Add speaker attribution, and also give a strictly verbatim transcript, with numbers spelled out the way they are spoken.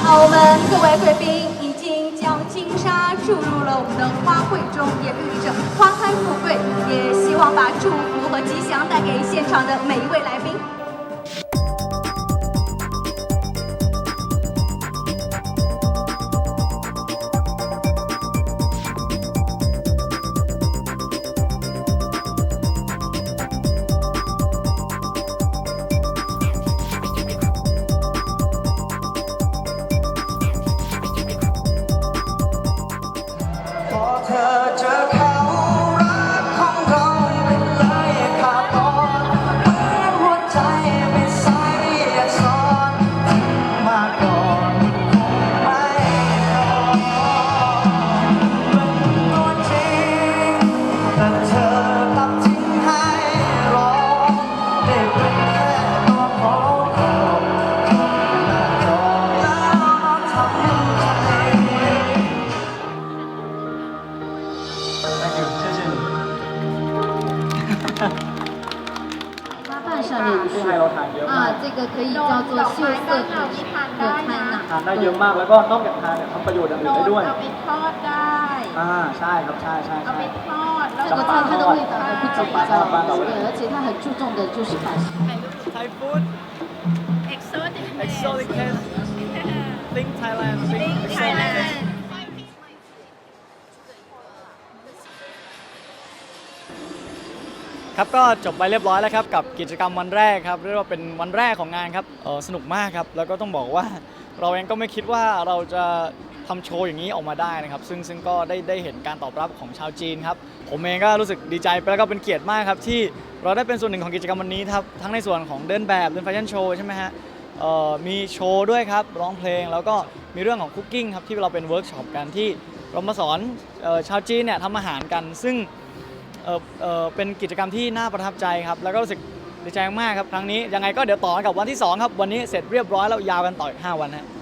Speaker 1: 澳门各位贵宾已经将金沙注入了我们的花卉中，也寓意着花开富贵，也希望把祝福和吉祥带给现场的每一位来宾。
Speaker 2: เธอเจอเขารักของเราเป็นเลยขาดตอนเหมือนหัวใจไม่ใส่สอนทิ้งมาก่อนคงไม่รอเป็นตัวจริงแต่เธอกลับทิ้งให้รอได้เป็นแค่ตัวของเราหน้าจอแล้วทำใจ
Speaker 3: 花瓣上面是啊，这个可以叫做秀色可可餐呐。
Speaker 4: ทานได้เยอะมากแล้วก็นอกจากทานเนี่ยทำประโยชน์อย่างอื่นได้ด้วย
Speaker 5: เอาไปทอดได้
Speaker 4: อ่าใช่ครับใช่ใช่
Speaker 5: เอา
Speaker 4: ใช่
Speaker 5: ไปทอดแล้ว
Speaker 3: 这个菜它的味道还不止一道，对，而且它很注重的就是把
Speaker 4: ไทยฟู้ด
Speaker 5: เอ็กโซติก
Speaker 4: exotic taste think Thailand think
Speaker 5: ไทยแลนด์
Speaker 4: ครับก็จบไปเรียบร้อยแล้วครับกับกิจกรรมวันแรกครับเรียกว่าเป็นวันแรกของงานครับเออสนุกมากครับแล้วก็ต้องบอกว่าเราเองก็ไม่คิดว่าเราจะทำโชว์อย่างนี้ออกมาได้นะครับซึ่งซึ่งก็ได้ได้เห็นการตอบรับของชาวจีนครับผมเองก็รู้สึกดีใจแล้วก็เป็นเกียรติมากครับที่เราได้เป็นส่วนหนึ่งของกิจกรรมวันนี้ครับทั้งในส่วนของเดินแบบเดินแฟชั่นโชว์ใช่ไหมฮะเอ่อมีโชว์ด้วยครับร้องเพลงแล้วก็มีเรื่องของคุกกิ้งครับที่เราเป็นเวิร์กช็อปกันที่เรามาสอนเอ่อชาวจีนเนี่ยทำอาหารกันซึ่ง เออเออเป็นกิจกรรมที่น่าประทับใจครับแล้วก็รู้สึกดีใจมากครับครั้งนี้ยังไงก็เดี๋ยวต่อกับวันที่สองครับวันนี้เสร็จเรียบร้อยแล้วยาวกันต่ออีกห้าวันฮะ